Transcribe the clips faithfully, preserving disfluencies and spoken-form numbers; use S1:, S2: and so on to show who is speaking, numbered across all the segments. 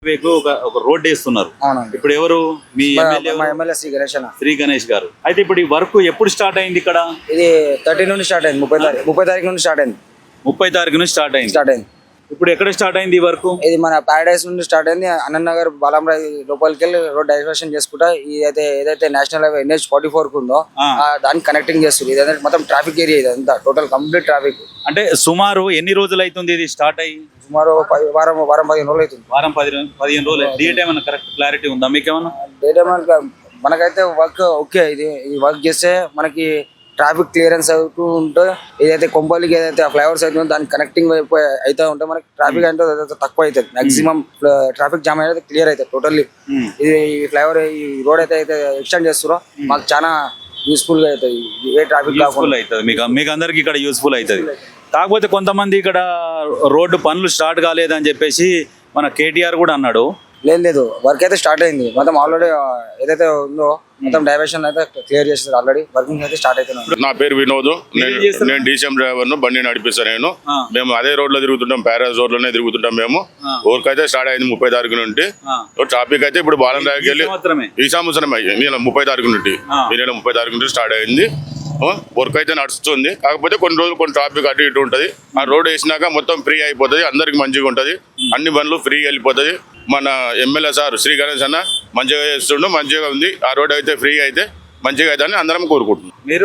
S1: వేకు ఒక ఒక రోడ్ వేస్తున్నారు.
S2: అవునండి.
S1: ఇప్పుడు ఎవరు మీ ఎమ్మెల్యే?
S2: మా ఎమ్మెల్యే శ్రీ గణేష్ అన్న.
S1: శ్రీ గణేష్ గారు. అయితే ఇప్పుడు ఈ వర్క్ ఎప్పుడు స్టార్ట్ అయింది ఇక్కడ?
S2: ఇది థర్టీ నుండి స్టార్ట్ అయింది. ముప్పై తారీఖు ముప్పై తారీఖు నుండి స్టార్ట్ అయింది.
S1: ముప్పై తారీఖు నుంచి స్టార్ట్ అయింది.
S2: స్టార్ట్ అయింది.
S1: ఇప్పుడు ఎక్కడ స్టార్ట్ అయింది ఈ వర్క్?
S2: ఇది మన పారడైస్ నుండి స్టార్ట్ అయింది. అన్ననగర్ బాలంరాయ్ లోపలికి వెళ్ళి రోడ్ డైవర్షన్ చేసుకుంటా ఇదైతే ఏదైతే national highway NH forty four కు ఉందో
S1: ఆ.
S2: ఆ దాన్ని కనెక్టింగ్ చేస్తుంది. ఇదంతా మొత్తం ట్రాఫిక్ ఏరియా, ఇదంతా టోటల్ కంప్లీట్ ట్రాఫిక్.
S1: అంటే సుమారు ఎన్ని రోజులు అవుతుంది ఇది స్టార్ట్ అయ్యి?
S2: సుమారు పది- వారం వారం పదిహేను రోజులు అవుతుంది.
S1: వారం పది రోజులు పదిహేను రోజులు. డేట్ ఏమైనా కరెక్ట్ క్లారిటీ ఉందా మీకేమన్నా?
S2: డేటా మనకి మనకైతే వర్క్ ఓకే. ఇది ఈ వర్క్ చేస్తే మనకి ట్రాఫిక్ క్లియరెన్స్ అవుతూ ఉంటే ఏదైతే కొంపల్లికి ఏదైతే ఫ్లైఓవర్స్ అవుతుందో దానికి కనెక్టింగ్ అయితే ఉంటే మనకి ట్రాఫిక్ అంటే తక్కువ అవుతుంది. మాక్సిమం ట్రాఫిక్ జామ్ అనేది క్లియర్ అవుతుంది టోటల్లీ.
S1: ఉమ్.
S2: ఇది ఈ ఫ్లైఓవర్ ఈ రోడ్ అయితే అయితే ఎక్స్టెండ్ చేస్తారో మాకు చాలా యూస్ఫుల్ గా అవుతుంది. ఏ ట్రాఫిక్
S1: యూస్ఫుల్
S2: కాకుండా
S1: అవుతుంది మీకు మీకు అందరికి ఇక్కడ యూస్ఫుల్ అవుతుంది. కాకపోతే కొంతమంది ఇక్కడ రోడ్డు పనులు స్టార్ట్ కాలేదని చెప్పేసి మన కేటీఆర్ కూడా అన్నాడు.
S2: లేదు లేదు వర్క్ అయితే స్టార్ట్ అయింది. మొత్తం ఆల్రెడీ ఏదైతే ఉందో మొత్తం డైవర్షన్ అయితే క్లియర్ చేస్తారు. ఆల్రెడీ వర్కింగ్ అయితే స్టార్ట్ అవుతున్నాయి.
S3: నా పేరు వినోద్. నేను
S1: ఏం చేస్తారు?
S3: నేను డీసీఎం డ్రైవర్ ను, బండి నడిపిస్తాను నేను.
S1: ఆ.
S3: మేము అదే రోడ్ లో తిరుగుతుంటాం, ప్యారాస్ రోడ్ లోనే తిరుగుతుంటాం మేము.
S1: ఆ.
S3: వర్క్ అయితే స్టార్ట్ అయింది ముప్పై తారీఖు నుండి.
S1: ఆ.
S3: ట్రాఫిక్ అయితే ఇప్పుడు బాలం రాయకి వెళ్ళి
S1: సంవత్సరమే
S3: ఈ సంవత్సరం అయ్యి ఈ నెల ముప్పై తారీఖు నుండి
S1: ఆ.
S3: ఈ నెల ముప్పై తారీఖు నుండి స్టార్ట్ అయింది. వర్క్ అయితే నడుస్తుంది. కాకపోతే కొన్ని రోజులు కొన్ని ట్రాఫిక్ అటు ఇటు ఉంటుంది. ఆ రోడ్ వేసినాక మొత్తం ఫ్రీ అయిపోతుంది, అందరికి మంచిగా ఉంటుంది, అన్ని బండ్లు ఫ్రీ వెళ్ళిపోతుంది. మన ఎమ్మెల్యే సార్ శ్రీ గణేష్ అన్న మంచిగా చేస్తుండు, మంచిగా ఉంది. ఆ రోడ్ అయితే ఫ్రీ అయితే మంచిగా అయితే అని అందరం కోరుకుంటున్నాం.
S1: మీరు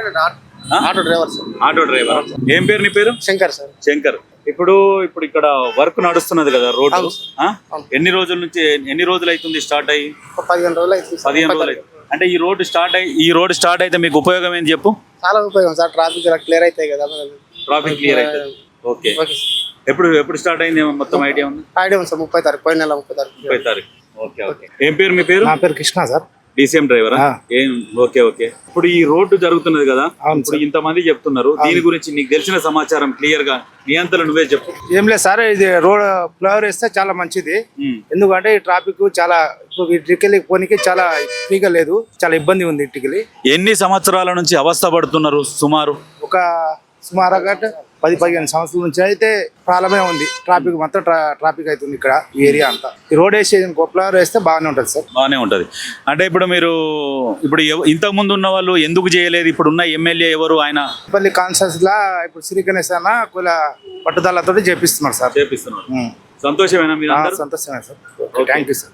S1: ఆ?
S2: Auto driver sir.
S1: Auto driver. ఏం పేరు నీ పేరు?
S2: శంకర్ సార్.
S1: శంకర్. ఇప్పుడు ఇప్పుడు ఇక్కడ వర్క్ నడుస్తున్నది కదా రోడ్డు. ఆ? ఎన్ని రోజుల నుంచి ఎన్ని రోజులు అవుతుంది స్టార్ట్ అయ్యి?
S2: పదిహేను రోజులు అవుతుంది.
S1: పదిహేను రోజులు అవుతుంది. అంటే ఈ రోడ్డు స్టార్ట్ అయ్యి ఈ రోడ్డు స్టార్ట్ అయితే మీకు ఉపయోగం ఏంటి చెప్పు?
S2: చాలా ఉపయోగం సార్. ట్రాఫిక్ క్లియర్ అవుతాయి కదా.
S1: ట్రాఫిక్ క్లియర్ అవుతుంది. ఓకే. ఎప్పుడు ఎప్పుడు స్టార్ట్ అయింది ఏమో మొత్తం ఐడియా ఉంది?
S2: ఐడియా ఉంది సార్. ముప్పై తారీఖు పోయిన నెల ముప్పై తారీఖు.
S1: ముప్పై తారీఖు. Okay okay. ఏం పేరు మీ పేరు?
S4: నా పేరు కృష్ణ సార్.
S1: డీసీఎం డ్రైవరా? ఏం ఓకే ఓకే. ఇప్పుడు ఈ రోడ్డు జరుగుతున్నది కదా,
S4: అవును
S1: ఇప్పుడు ఇంతమంది చెప్తున్నారు దీని గురించి నీకు తెలిసిన సమాచారం క్లియర్ గా నీ అంతలో నువ్వే చెప్పు.
S4: ఏం లేదు సార్, ఇది రోడ్ ఫ్లైఓవర్ వేస్తే చాలా మంచిది.
S1: ఉమ్.
S4: ఎందుకంటే ఈ ట్రాఫిక్ చాలా ఇటుకెళ్ళి పోనీకి చాలా ఫ్రీగా లేదు, చాలా ఇబ్బంది ఉంది ఇటుకెళ్ళి.
S1: ఎన్ని సంవత్సరాల నుంచి అవస్థ పడుతున్నారు సుమారు?
S4: ఒక సుమారుగా పది పదిహేను సంవత్సరాల నుంచి అయితే ప్రాబ్లమే ఉంది. ట్రాఫిక్ మొత్తం ట్రా- ట్రాఫిక్ అవుతుంది ఇక్కడ ఈ ఏరియా అంతా. ఈ రోడ్ వేసి ఫ్లైఓవర్ వేస్తే బాగానే ఉంటుంది సార్.
S1: బాగానే ఉంటది. అంటే ఇప్పుడు మీరు ఇప్పుడు ఎవ- ఇంతకు ముందు ఉన్న వాళ్ళు ఎందుకు చేయలేదు? ఇప్పుడు ఉన్న ఎమ్మెల్యే ఎవరు ఆయన?
S4: పల్లి కాన్స్టెన్స్ లా ఇప్పుడు శ్రీ గణేష్ అన్న కుల పట్టుదలతో చేపిస్తున్నారు సార్.
S1: చేపిస్తున్నారు. సంతోషమేనా మీరు
S4: ఆ,
S1: అందరూ?
S4: సంతోషమే sir.
S1: Okay.
S4: Thank you sir.